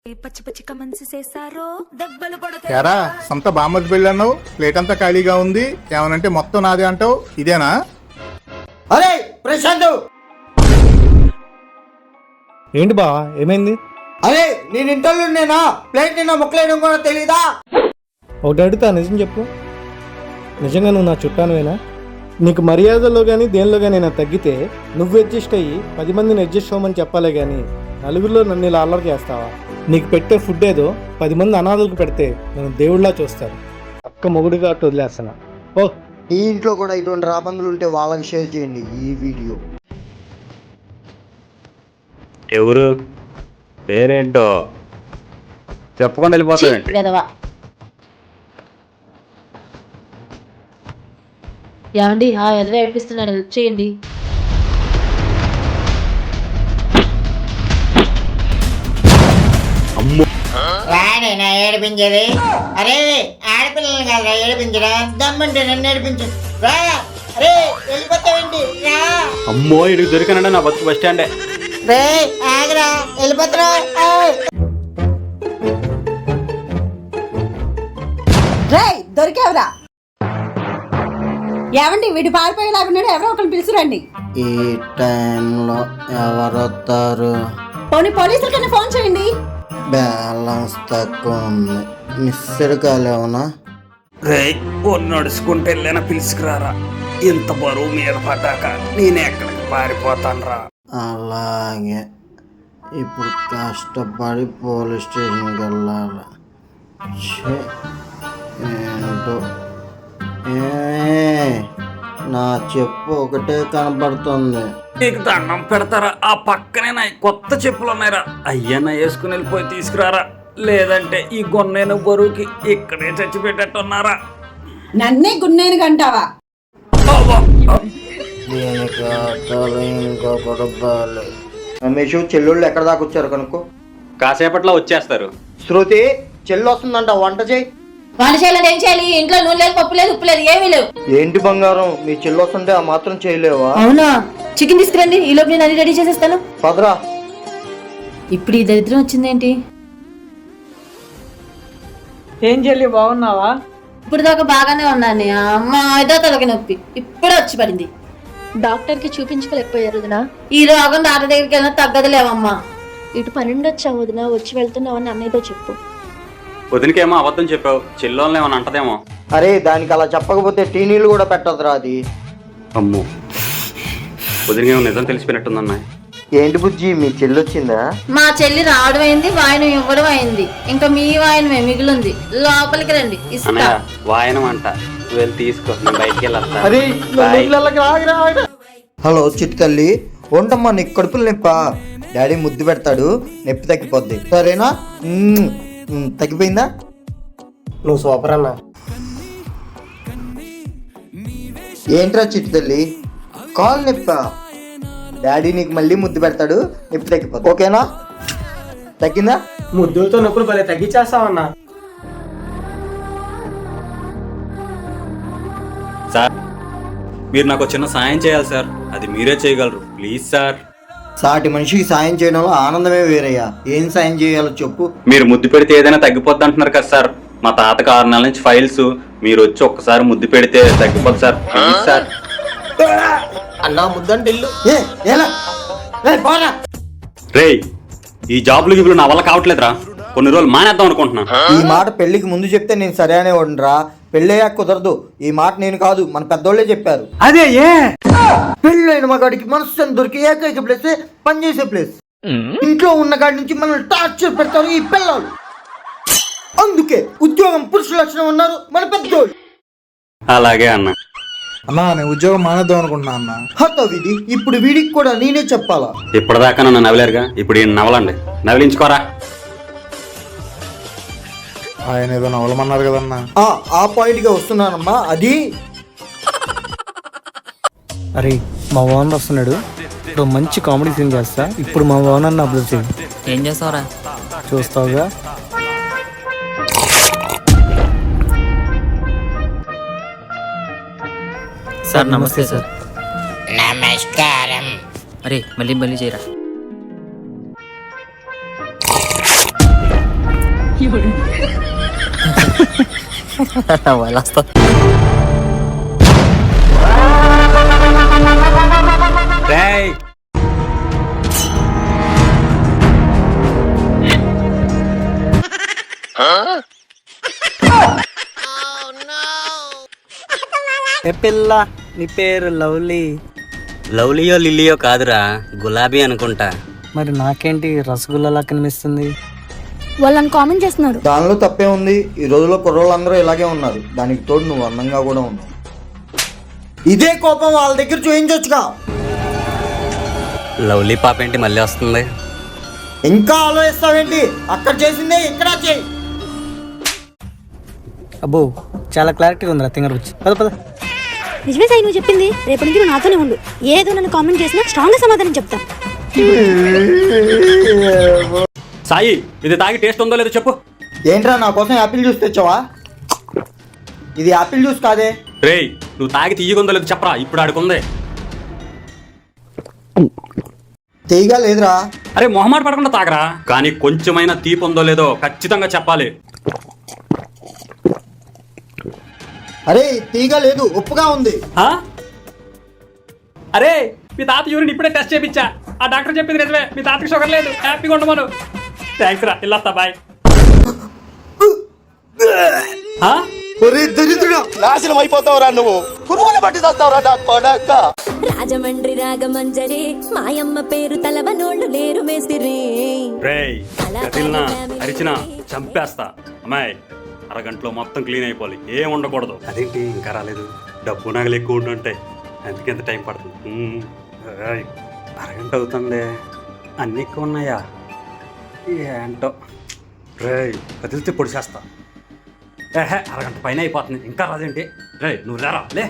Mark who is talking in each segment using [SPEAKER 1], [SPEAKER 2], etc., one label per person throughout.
[SPEAKER 1] పచ్చి పచ్చి కమెంట్స్ చేశారో దెబ్బలు
[SPEAKER 2] ఎరా సొంత బామ్మది పెళ్ళి అన్నావు, ప్లేట్ అంతా ఖాళీగా ఉంది, ఏమనంటే మొత్తం నాదే అంటావు, ఇదేనా?
[SPEAKER 3] అరే ప్రశాంత్,
[SPEAKER 4] ఏంటి బా ఏమైంది?
[SPEAKER 3] అరే నేను ఇంటర్వ్యూ నేనా ప్లేట్ నిన్న మొక్కలేయడం కూడా తెలీదా?
[SPEAKER 4] ఒకటి అడుగుతా, నిజం చెప్పు. నిజంగా నువ్వు నా చుట్టానువేనా? నీకు మర్యాదలో కానీ దేనిలో కానీ నేను తగ్గితే నువ్వు అడ్జస్ట్ అయ్యి 10 మందిని అడ్జస్ట్ అవ్వమని చెప్పాలే కానీ నలుగురిలో నన్ను ఇలా అల్లరి చేస్తావా? నీకు పెట్టే ఫుడ్ ఏదో 10 మంది అనాథులకు పెడితే నన్ను దేవుళ్ళా చూస్తారు. అక్క మొగుడుగా అట్టు వదిలేస్తున్నా. ఓ
[SPEAKER 3] ఈ ఇంట్లో కూడా ఇటువంటి రాబందులు ఉంటే వాళ్ళకి షేర్ చేయండి ఈ వీడియో.
[SPEAKER 5] ఎవరు పేరేంటో చెప్పకుండా వెళ్ళిపోతావేంటి?
[SPEAKER 6] ఏమండి ఆ ఎదురు ఏడిపిస్తున్నాడు, హెల్ప్ చేయండి.
[SPEAKER 3] రాడేనా ఏడిపించేది? అరే ఆడపిల్లలు కాదురా ఏడిపించరా, దమ్మంటే నన్ను ఏడిపించు. రా అరే వెళ్ళిపోతావేంటి? రా
[SPEAKER 5] అమ్మో ఇడికి దొరికానంటే నా బస్సు బస్ స్టాండే.
[SPEAKER 3] రే ఆగరా వెళ్ళిపోతున్నా.
[SPEAKER 7] రే దొరికావురా. ఏమండి వీడు పారిపోయేలాగున్నాడు, ఎవరో ఒకరిని పిలుచురండి.
[SPEAKER 3] ఈ టైంలో ఎవరొస్తారు?
[SPEAKER 7] పోలీసుల కన్నా ఫోన్ చేయండి.
[SPEAKER 3] బ్యాలెన్స్ తక్కువ ఉంది, మిస్సెడ్ కాల్ ఏమన్నా?
[SPEAKER 5] రే నడుచుకుంటే వెళ్ళినా పిలుచుకురారా, ఇంత బరువు మీద పడ్డాక నేను ఎక్కడికి పారిపోతాను రా.
[SPEAKER 3] అలాగే ఇప్పుడు కష్టపడి పోలీస్ స్టేషన్కి వెళ్ళాలి. ఏంటో నా చెప్పు ఒకటే కనపడుతుంది.
[SPEAKER 5] నీకు దండం పెడతారా? ఆ పక్కనే నా కొత్త చెప్పులు ఉన్నాయిరా, అయ్యన్నా వేసుకుని వెళ్ళిపోయి తీసుకురారా, లేదంటే ఈ గొన్నేను బరువుకి ఇక్కడే చచ్చిపెట్టేట్టున్నారా.
[SPEAKER 7] నన్నే గున్నేను గంటావా?
[SPEAKER 3] దీనికి ఆటలు ఇంకొకటి బాగాలి. రమేష్ చెల్లుళ్ళు ఎక్కడ దాకా వచ్చారు కనుక్కో.
[SPEAKER 5] కాసేపట్లో వచ్చేస్తారు.
[SPEAKER 3] శృతి చెల్లు వస్తుందంట, వంట చేయి.
[SPEAKER 6] వంట చేయాలని ఏం చేయాలి? ఇంట్లో నూనె లేదు, పప్పు లేదు, ఉప్పు లేదు, ఏమీ లేవు.
[SPEAKER 3] ఏంటి బంగారం, మీ చెల్లు వస్తుంటే ఆ మాత్రం చేయలేవా?
[SPEAKER 6] అవునా, చికెన్ తీసుకురండి, ఈ లోపు నేను అన్ని రెడీ చేసేస్తాను.
[SPEAKER 3] పదరా.
[SPEAKER 6] ఇప్పుడు ఈ దరిద్రం వచ్చిందేంటి?
[SPEAKER 8] ఏం చెల్లి బాగున్నావా?
[SPEAKER 6] ఇప్పుడు దాకా బాగానే ఉన్నాను, అమ్మ ఏదో తలకి నొప్పి ఇప్పుడే వచ్చి పడింది.
[SPEAKER 9] డాక్టర్ కి చూపించుకోలేకపోయారు వదినా.
[SPEAKER 6] ఈ రోగం డాక్టర్ దగ్గరికి వెళ్ళినా తగ్గదులేవమ్మా.
[SPEAKER 9] ఇటు పన్నెండు వచ్చావు వదినా, వచ్చి వెళ్తున్నావని అన్నయ్యతో చెప్పు.
[SPEAKER 5] వదినకేమో అబద్ధం చెప్పావు, చెల్లోళ్ళని ఏమన్నా అంటదేమో.
[SPEAKER 3] అరే దానికి అలా చెప్పకపోతే టీ నీళ్ళు కూడా పెట్టదురా అది.
[SPEAKER 5] అమ్మో వదినకేమో నిజం తెలిసిపోయినట్టుందన్నా.
[SPEAKER 3] ఏంటి బుజ్జి మీ చెల్లి వచ్చిందా?
[SPEAKER 6] మా చెల్లి రావడం అయింది, వాయనం ఇవ్వడం అయింది, ఇంకా మీ వాయనమే మిగిలింది. లోపలికి రండి ఇస్తా.
[SPEAKER 5] వాయనం అంట, వెళ్ళి తీసుకో, నేను బయటికి వెళ్ళొస్తా.
[SPEAKER 3] హలో చిట్టు తల్లి, వంటమ్మా నీకు కడుపులు నొప్పా? డాడీ ముద్దు పెడతాడు, నొప్పి తగ్గిపోద్ది సరేనా? తగ్గిపోయిందా?
[SPEAKER 4] నువ్వు సూపర్ అన్నా.
[SPEAKER 3] ఏంట్రా చిట్టు తల్లి, కాల్ నొప్పా? డాడీ నీకు మళ్ళీ ముద్దు పెడతాడు, నొప్పి తగ్గిపోద్ది ఓకేనా? తగ్గిందా?
[SPEAKER 4] ముద్దులతో నొప్పులు భలే తగ్గించేస్తావన్నా.
[SPEAKER 5] సార్ మీరు నాకు చిన్న సాయం చేయాలి సార్, అది మీరే చేయగలరు, ప్లీజ్ సార్.
[SPEAKER 3] సాటి మనిషికి సాయం చేయడంలో ఆనందమే వేరయ్యా. ఏం సాయం చేయాలో చెప్పు.
[SPEAKER 5] మీరు ముద్దు పెడితే ఏదైనా తగ్గిపోద్ది అంటున్నారు కదా సార్, మా తాతకు 6 నెలల నుంచి ఫైల్స్, మీరు వచ్చి ఒక్కసారి ముద్దు పెడితే తగ్గిపోద్ది సార్, ప్లీజ్ సార్.
[SPEAKER 3] అన్నా ముద్దంటే ఇల్లు
[SPEAKER 5] రేయ్ ఈ జాబ్లు గిబ్లు నా వల్ల కావట్లేదురా, కొన్ని రోజులు మానేద్దాం అనుకుంటున్నా.
[SPEAKER 3] ఈ మాట పెళ్లికి ముందు చెప్తే నేను సరే అనేవాడురా, పెళ్ళయ్యాక కుదరదు. ఈ మాట నేను కాదు, మన పెద్దోళ్లే చెప్పారు.
[SPEAKER 4] అదే ఏ
[SPEAKER 3] పెళ్ళైన మగాడికి మనసు దొరికి ఏకైక ప్లేస్ పనిచేసే ప్లేస్. ఇంట్లో ఉన్న కాడి నుంచి మనల్ని టార్చర్ పెడతారు ఈ పిల్లలు. అందుకే ఉద్యోగం పురుష లక్షణం ఉన్నారు మన పెద్దోళ్ళు.
[SPEAKER 5] అలాగే అన్న.
[SPEAKER 2] అన్నా నేను ఉద్యోగం మానేద్దాం అనుకుంటున్నా అన్న.
[SPEAKER 3] హత విధి, ఇప్పుడు వీడికి కూడా నేనే చెప్పాలా?
[SPEAKER 5] ఇప్పటిదాకా నన్ను నవ్వలేరుగా, ఇప్పుడు ఈయన నవ్వలండి, నవ్వించుకోరా.
[SPEAKER 2] ఆయన ఏదో నవలమన్నారు కదన్నా.
[SPEAKER 3] ఆ పాయింట్ గా వస్తున్నానమ్మా. అది
[SPEAKER 4] అరే మా ఓనర్ వస్తున్నాడు, ఇప్పుడు మంచి కామెడీ సీన్ చేస్తా. ఇప్పుడు మా ఓనర్ని అబ్జర్వ్ చేయి.
[SPEAKER 8] ఏం చేస్తావురా?
[SPEAKER 4] చూస్తావుగా.
[SPEAKER 8] సార్ నమస్తే సార్.
[SPEAKER 3] నమస్కారం.
[SPEAKER 8] అరే మళ్ళీ చేయరా. వెళ్ళొస్తా.
[SPEAKER 5] రేయ్
[SPEAKER 8] ఏ పిల్ల, నీ పేరు లవ్లీ.
[SPEAKER 10] లవ్లీయో లిల్లీయో కాదురా, గులాబీ అనుకుంటా.
[SPEAKER 8] మరి నాకేంటి రసగుల్లాలా కనిపిస్తుంది?
[SPEAKER 9] వాళ్ళని కామెంట్ చేస్తున్నారు.
[SPEAKER 3] దానిలో తప్పే ఉంది. ఈ రోజుల్లో కుర్రోళ్ళందరూ ఇలాగే ఉన్నారు. దానికి తోడు నువ్వు అందంగా కూడా ఉన్నావు. ఇదే కోపం వాళ్ళ దగ్గర చూయించొచ్చుగా.
[SPEAKER 10] లవ్లీ పాప ఏంటి మళ్ళీ వస్తుంది?
[SPEAKER 3] ఇంకా ఆలోచిస్తావేంటి? అక్కడ చేసిందే ఇక్కడ చేయి.
[SPEAKER 8] అబ్బో, చాలా క్లారిటీగా ఉందిరా తింగర వచ్చి. పద పద.
[SPEAKER 9] నిజమే సాయి నువ్వు చెప్పింది. రేపటి నుంచి నువ్వు నాతోనే ఉండు. ఏదో నన్ను కామెంట్ చేసినా స్ట్రాంగ్ గా సమాధానం చెప్తా.
[SPEAKER 5] సాయి, ఇది తాగి టేస్ట్ ఉందో లేదో చెప్పు.
[SPEAKER 3] ఏంట్రా నా కోసం యాపిల్ జ్యూస్ తెచ్చావా? ఇది యాపిల్ జ్యూస్ కాదే.
[SPEAKER 5] రేయ్, నువ్వు తాగి తీయగుందో లేదో చెప్పరా, ఇప్పుడు ఆడుకుంది.
[SPEAKER 3] తీయగా లేదురా.
[SPEAKER 5] అరే మొహమాట పడకుండా తాగరా, కానీ కొంచెమైనా తీపి ఉందో లేదో ఖచ్చితంగా చెప్పాలి.
[SPEAKER 3] అరే తీయగా లేదు, ఉప్పుగా ఉంది.
[SPEAKER 5] ఆ? అరే మీ తాత యూరిన్ ఇప్పుడే టెస్ట్ చేయించా. ఆ డాక్టర్ చెప్పింది నిజమే, మీ తాతకి షుగర్ లేదు, హ్యాపీగా ఉండమను. థ్యాంక్స్ రా, ఇల్లాస్తా బాయ్. ఆ?
[SPEAKER 3] ఒరే దరిద్రుడా, నాశనం అయిపోతావురా నువ్వు. పురుగులు పట్టి చేస్తావురా డాక్టర్.
[SPEAKER 1] రాజమండ్రి రాగమంజరి మాయమ్మ పేరు తలవనోళ్ళు లేరు మేస్తిరి.
[SPEAKER 5] రేయ్, కదిలినా అరిచినా చంపేస్తా. అమ్మాయి, అరగంటలో మొత్తం క్లీన్ అయిపోవాలి, ఏం ఉండకూడదు. అదేంటి ఇంకా రాలేదు? డబ్బు నగలు ఎక్కువ ఉండుంటాయి, అందుకే ఎంత టైం పడుతుంది. ఏయ్, అరగంట అవుతుంది, అన్నీ ఎక్కువ ఉన్నాయా ఏంటో. రేయ్, కదిలితే పొడి చేస్తా. అరగంట పైన అయిపోతుంది, ఇంకా రాదేంటి? రేయ్ నువ్వు లేరా, లే.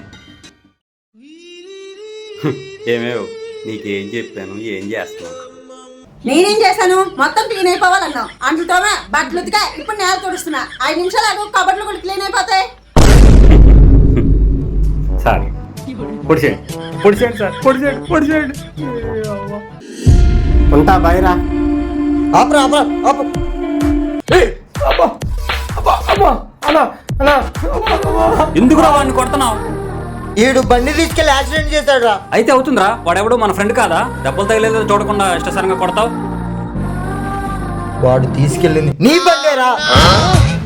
[SPEAKER 5] ఏమేవ్, నీకేం చెప్పాను, ఏం చేస్తున్నావు?
[SPEAKER 7] నేనేం చేశాను? మొత్తం క్లీన్ అయిపోవాలన్నావు. అంటుతోమే బట్టలు ఉతికా, ఇప్పుడు నేల తుడుస్తున్నా. 5 నిమిషాలు ఆగు, కబర్లు కూడా క్లీన్ అయిపోతాయి.
[SPEAKER 5] సార్ పొడిచేయండి, పొడిచేయండి సార్, పొడిచేయండి, పొడిచేయండి.
[SPEAKER 3] ఉంటా బయరా. ఆపరా ఆపరా ఆపు.
[SPEAKER 5] ఎందుకురా వాడిని కొడుతున్నావు?
[SPEAKER 3] ఈడు బండి తీసుకెళ్లి యాక్సిడెంట్ చేశాడు రా.
[SPEAKER 5] అయితే అవుతుందిరా, వాడెవడో మన ఫ్రెండ్ కాదా? దెబ్బలు తగిలేదో చూడకుండా ఇష్టసరంగా కొడతావు.
[SPEAKER 3] వాడు తీసుకెళ్ళింది నీ బండేరా.